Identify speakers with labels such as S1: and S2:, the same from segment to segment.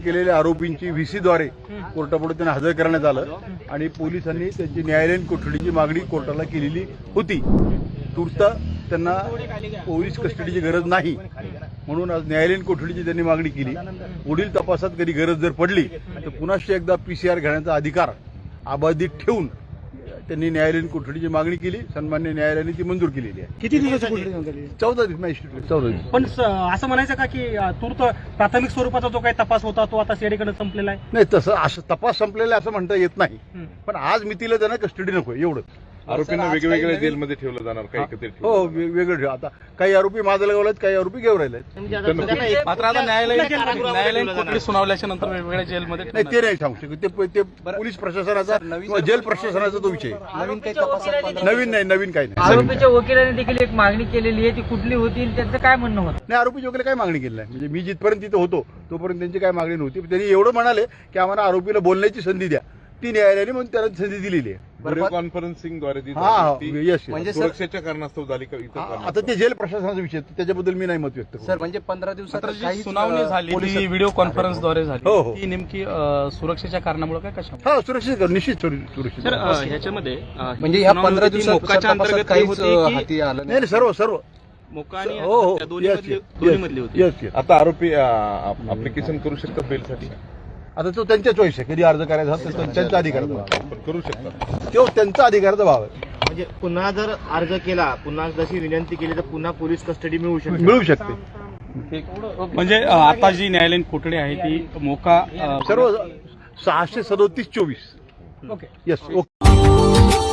S1: केलेल्या आरोपींची व्हीसीद्वारे कोर्टापुढे त्यांना हजर करण्यात आलं आणि पोलिसांनी त्यांची न्यायालयीन कोठडीची मागणी कोर्टाला केलेली होती. तूर्त त्यांना पोलीस कस्टडीची गरज नाही म्हणून आज न्यायालयीन कोठडीची त्यांनी मागणी केली. पुढील तपासात कधी गरज जर पडली तर पुन्हा एकदा PCR घेण्याचा अधिकार अबाधित ठेवून त्यांनी न्यायालयीन कोठडीची मागणी केली. सन्मान्य न्यायालयाने ती मंजूर केलेली आहे.
S2: किती दिवसाची कोठडी देण्यात आली?
S1: 14 दिवस मॅजिस्ट्रेट 14 दिवस.
S2: पण असं म्हणायचं का की तूर्त प्राथमिक स्वरूपाचा जो काही तपास होता तो आता सीआयडीकडे संपलेला आहे?
S1: नाही, तसं असं तपास संपलेला आहे असं म्हणता येत नाही. पण आज मितीला त्यांना कस्टडी नको एवढं.
S3: आरोपींना वेगवेगळ्या जेलमध्ये ठेवलं जाणार काही एकत्रित
S1: हो, वेगळं ठेव. आता काही आरोपी माझ्या गावला आहेत, काही आरोपी घेऊन राहिले.
S4: मात्र आता न्यायालयीन कोठडी सुनावल्याच्या नंतर वेगवेगळ्या जेलमध्ये
S1: नाही, ते नाही सांगू शकत. ते पोलीस प्रशासनाचा किंवा जेल प्रशासनाचा तो विषय. नवीन नाही, नवीन काही नाही.
S5: आरोपीच्या वकिलांनी देखील एक मागणी केलेली आहे, ती कुठली होती त्यांचं काय म्हणणं होतं?
S1: नाही, आरोपीच्या वगैरे काय मागणी केली नाही. म्हणजे मी जिथपर्यंत तिथे होतो तोपर्यंत त्यांची काय मागणी नव्हती. त्यांनी एवढं म्हणाले की आम्हाला आरोपीला बोलण्याची संधी द्या. ती न्यायालयाने म्हणून त्याला संधी दिलेली आहे.
S3: व्हिडिओ कॉन्फरन्सिंगद्वारे
S1: म्हणजे
S3: सुरक्षेच्या कारणास्तव झाली का इतर
S1: आता ते जेल प्रशासनाचा विषय त्याच्याबद्दल मी नाही मत व्यक्त करू.
S6: सर, म्हणजे 15 दिवसात
S4: जी सुनावणी झाली ती व्हिडिओ कॉन्फरन्सद्वारे झाली.
S1: हो, हो.
S4: ती नेमकी सुरक्षेच्या कारणामुळे काय कशा?
S1: हा, सुरक्षित निश्चित सुरक्षित.
S4: सर, ह्याच्यामध्ये
S6: म्हणजे ह्या 15 दिवसात
S4: मोक्काच्या अंतर्गत
S6: काहीच
S4: होती की
S6: हाती आलं
S1: नाही, सर्व
S4: मोक्का आणि
S1: हो, हो.
S4: त्या दोन्ही मधली होती.
S1: येस.
S3: आता आरोपी ऍप्लिकेशन करू शकतात बेलसाठी?
S1: आता तो त्यांच्या चॉईस आहे. कधी अर्ज करायचा असेल तर त्यांचा अधिकाराचा भाव आहे.
S3: पण करू शकतात.
S1: तो त्यांचा अधिकाराचा भाव आहे.
S7: म्हणजे पुन्हा जर अर्ज केला, पुन्हा जशी विनंती केली तर पुन्हा पोलीस कस्टडी मिळू शकते.
S1: मिळू शकते.
S4: म्हणजे आता जी न्यायालयीन कोठडी आहे ती मोका
S1: सर्व 637-24.
S2: Okay.
S1: Yes. Okay.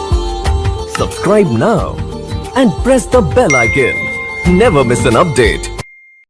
S8: Subscribe now and press the bell icon. Never miss an update.